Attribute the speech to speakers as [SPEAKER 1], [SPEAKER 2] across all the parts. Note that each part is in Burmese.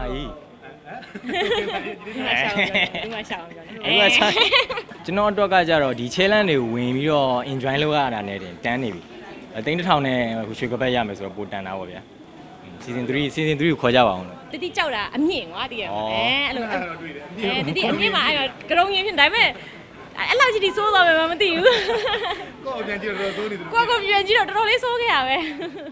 [SPEAKER 1] ကြီး
[SPEAKER 2] ဒီမှာရှောင်းကြတယ်
[SPEAKER 1] အဲ့ဒါကျွန်တော်အတွက်ကကြတော့ဒီ challenge တွေကိုဝင်ပြီးတော့ enjoy လုပ်ရတာနဲ့တင်တန်းနေပြီသိန်းတစ်ထောင်နဲ့ရွှေကပတ်ရမယ်ဆိုတော့ပိုတန်တာပေါ့ဗျာ season 3ကိုခေါ်ကြပါအောင်လို့
[SPEAKER 2] တတိကြောက်တာအမြင့်ကွာတည်ရအဲ့လိုတတိအမြင့်မှာအဲ့ကရုံရင်းဖြစ်ဒါပေမဲ့အဲ့လောက်ကြီးဒီစိုးသွားမယ်မသိဘူး
[SPEAKER 3] ကိုပြန်ကြည့်တော့စိုးနေတယ်
[SPEAKER 2] ကိုပြန်ကြည့်တော့တော်တော်လေးစိုးခဲ့ရပဲ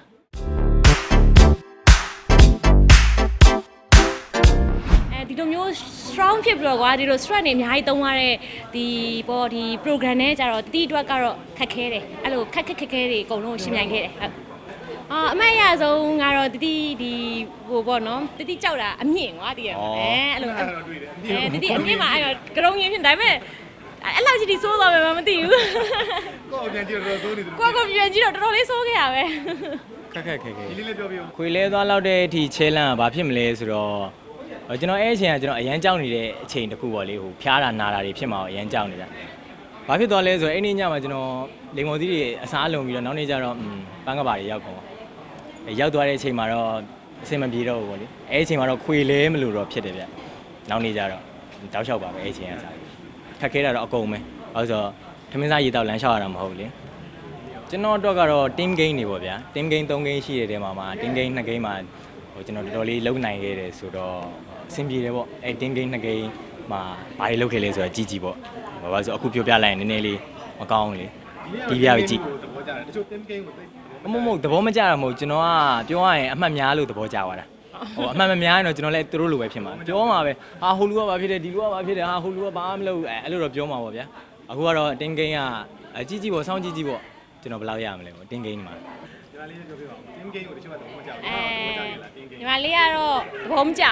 [SPEAKER 2] ဒီလိုမျိုး strong ဖြစ်ပြီးတော့ကွာဒီလို stress နေအများကြီးသုံးရတဲ့ဒီပေါ့ဒီ program နဲ့ကြတော့တတိအတွက်ကတော့ခက်ခဲတယ်အဲ့လိုခက်ခဲတွေအကုန်လုံးရှင်းပြခဲ့တယ်ဟုတ်အမရဆုံးကတော့တတိဒီဟိုပေါ့နော်တတိကြောက်တာအမြင့်ကွာတည်ရအဲ့လိုတတိအမြင့်မှာအဲ့ကရုံရင်းဖြစ်ဒါပေမဲ့အဲ့လောက်ကြီးဒီစိုးသွားမယ်မသိဘူး
[SPEAKER 3] ကိုပြန်ကြည့်တော့စိုးနေတယ်
[SPEAKER 2] ကိုပြန်ကြည့်တော့တော်တော်လေးစိုးခဲ့ရပဲ
[SPEAKER 1] ခက်
[SPEAKER 3] ဒီလေးလေးပြောပြဦး
[SPEAKER 1] ခွေလဲသွားလောက်တဲ့အထိ challenge ကဘာဖြစ်မလဲဆိုတော့ကျွန်တော်အဲ့အချိန်ကကျွန်တော်အရန်ကြောက်နေတဲ့အချိန်တစ်ခုပေါ့လေဟိုဖျားတာနာတာတွေဖြစ်မှာအရန်ကြောက်နေတာဘာဖြစ်သွားလဲဆိုတော့အဲ့နေ့ညမှာကျွန်တော်လိမ်မော်သီးတွေအစားလုံးပြီးတော့နောက်နေ့ကျတော့ပန်းကပါတွေရောက်ကုန်ရောက်သွားတဲ့အချိန်မှာတော့အဆင်မပြေတော့ဘူးပေါ့လေအဲ့အချိန်မှာတော့ခွေလဲမလို့တော့ဖြစ်တယ်ဗျနောက်နေ့ကျတော့တောက်လျှောက်ပါပဲအဲ့အချိန်ကစားခက်ခဲတာတော့အကုန်ပဲဘာလို့ဆိုတော့ထမင်းစားရေတောက်လမ်းလျှောက်ရတာမဟုတ်ဘူးလေကျွန်တော်တော့ကတော့ team game တွေပေါ့ဗျာ team game 3 game ရှိတဲ့တဲမှာ team game 2 game မှာဟိုကျွန်တော်တော်တော်လေးလုံနိုင်ခဲ့တယ်ဆိုတော့အဆင်ပြေတယ်ပေါ့အဲ့ team game 2 game မှာဘာတွေလုပ်ခဲ့လဲဆိုတော့ကြီးပေါ့ဘာလို့ဆိုအခုပြောပြလိုက်ရင်နည်းနည်းလေးမကောင်းဘူးလေဒီပြပြီးကြည့်
[SPEAKER 3] သဘောကျတယ်တချို့ team game ကိုသိ
[SPEAKER 1] မဟုတ်သဘောမကျတာမဟုတ်ကျွန်တော်ကပြောရရင်အမှတ်များလို့သဘောကျသွားတာဟိုအမှတ်မများရင်တော့ကျွန်တော်လည်းသူတို့လိုပဲဖြစ်မှာပြောမှာပဲဟာဟိုလူကဘာဖြစ်တယ်ဒီလူကဘာဖြစ်တယ်ဟာဟိုလူကဘာမှမလုပ်အဲ့လိုတော့ပြောမှာပေါ့ဗျာအခုကတော့ team game ကကြီးပေါ့စောင်းကြီးပေါ့ကျွန်တော်ဘယ်လောက်ရမလဲပေါ့ team game မှာ
[SPEAKER 3] ဒီမှာလေးပြောပြပါဦး team game ကိုတချို့ကသဘောမကျဘူးသဘောကျတယ်လား team game
[SPEAKER 2] ညီမလေးကတော့သဘောမကျ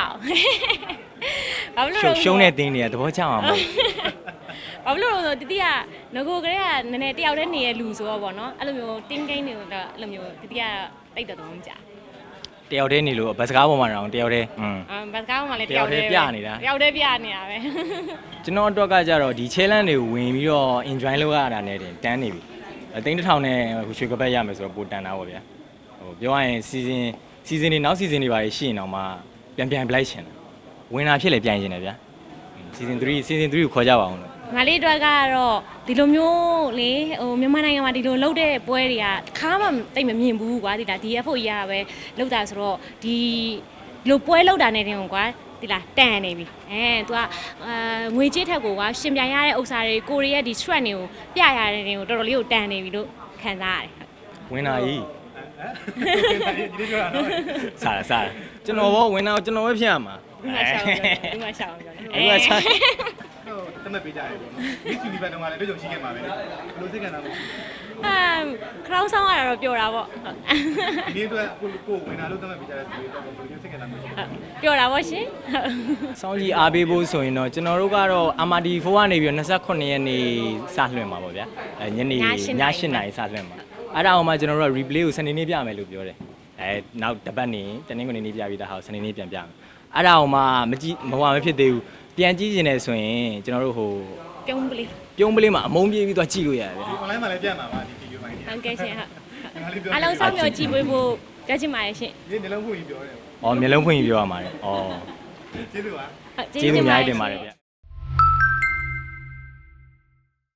[SPEAKER 2] ဘူးဘာလို့
[SPEAKER 1] ရှုံးတဲ့တင်းတွေကသဘောကျမှာမဟုတ်
[SPEAKER 2] ဘာလို့လဲဆိုတတိကငကိုကလေးကနည်းနည်းတယောက်တည်းနေတဲ့လူဆိုတော့ဗောနော်အဲ့လိုမျိုး team game တွေကိုတော့အဲ့လိုမျိုးတတိကတိတ်တော့သဘောမကျ
[SPEAKER 1] တယောက်တည်းနေလို့ဘတ်စကားပေါ်မှာတော့တယောက်တည်း
[SPEAKER 2] ဘတ်စကားပေါ်မှာလည်းတယောက်တည်း
[SPEAKER 1] ပြနေတာ
[SPEAKER 2] တယောက်တည်းပြနေတာပဲ
[SPEAKER 1] ကျွန်တော်အတွက်ကကြတော့ဒီ challenge တွေကိုဝင်ပြီးတော့ enjoy လုပ်ရတာနဲ့တင်တန်းနေပြီသိန်းတစ်ထောင်နဲ့ရွှေကပတ်ရမယ်ဆိုတော့ပိုတန်တာပေါ့ဗျာဟိုပြောရရင် season တွေနောက် season တွေပါရှိရင်တော့မှပြန်ပလိုက်ရှင်တာဝင်တာဖြစ်လေပြန်ရှင်တယ်ဗျာ season 3ကိုခေါ်ကြပါအောင်လို့
[SPEAKER 2] ငါလေးအတွက်ကတော့ဒီလိုမျိုးလေဟိုမြန်မာနိုင်ငံမှာဒီလိုလှုပ်တဲ့ပွဲတွေကတစ်ခါမှတိတ်မမြင်ဘူးကွာဒီလားဒီFO ကြီးကပဲလှုပ်တာဆိုတော့ဒီလိုပွဲလှုပ်တာနဲ့တင်ကွာဒီလားတန်နေပြီतू ကငွေကြေးထက်ကိုကွာရှင်ပြိုင်ရတဲ့ဥစ္စာတွေကိုရီးယားဒီ threat တွေကိုပြရတဲ့တွေကိုတော်တော်လေးကိုတန်နေပြီလို့ခံစားရတယ်
[SPEAKER 1] ဝင်တာကြီး
[SPEAKER 3] ဒီလေးပြောတာတော့
[SPEAKER 1] စားကျွန်တော်ဘောဝင်တာကျွန်တော်ပဲဖြစ်ရမှာ
[SPEAKER 2] ဒီမှာရှောင်းကြတယ်
[SPEAKER 3] တမက်ပေးကြတယ်ပေါ့နော်ဒီစီလီဘတ်တော့ကလည်းတွေ့ကြုံရှိခဲ့မှာပဲလေဘယ်လိုစိတ်ခံစားမှု
[SPEAKER 2] ခရောင်းဆောင်ရတာတော့ပျော်တာပေါ့
[SPEAKER 3] ဒီအတွက်ကိုဝင်လာလို့တမက်ပေးကြတဲ့သူတွေတော့ဘယ်လိုစိတ်ခံစားမှု
[SPEAKER 2] ပျော်တာပေါ့ရှင်
[SPEAKER 1] စောင်းကြီးအားပေးဖို့ဆိုရင်တော့ကျွန်တော်တို့ကတော့ MRD4 ကနေပြီးတော့29ရက်နေ့စလွှင့်မှာပေါ့ဗျာညနေည8နာရီစလွှင့်မှာအဲ့ဒါအောင်မှကျွန်တော်တို့က replay ကိုစနေနေ့ပြမယ်လို့ပြောတယ်နောက်တစ်ပတ်နေတနင်္ဂနွေနေ့ပြပြီးသားဟာစနေနေ့ပြန်ပြမယ်အဲ့ဒါအောင်မှမဖြစ်သေးဘူးပြန်ကြည့်နေတယ်ဆိုရင်ကျွန်တော်တို့ဟို
[SPEAKER 2] ပြုံးပ
[SPEAKER 1] လေးမှာအမုန်းပြေးပြီးသွားကြည့်လို့ရတယ်ဗျာ
[SPEAKER 3] online မှာလည်းပြန်မှာပါဒီ video ပိုင်း
[SPEAKER 2] ဟုတ်ကဲ့ရှင်ဟုတ်အလုံးဆောင်မျိုးကြည့်ပေးဖို့ကြချင်ပါတယ်ရှင်
[SPEAKER 3] ဒီနှလုံးဖွင့်ပြီးပြောတယ်
[SPEAKER 1] မျက်လုံးဖွင့်ပြီးပြောရမှာလေ
[SPEAKER 3] ကျေးဇူးပါ
[SPEAKER 1] ကျေးဇူးအများကြီးတင်ပါတယ်ဗျ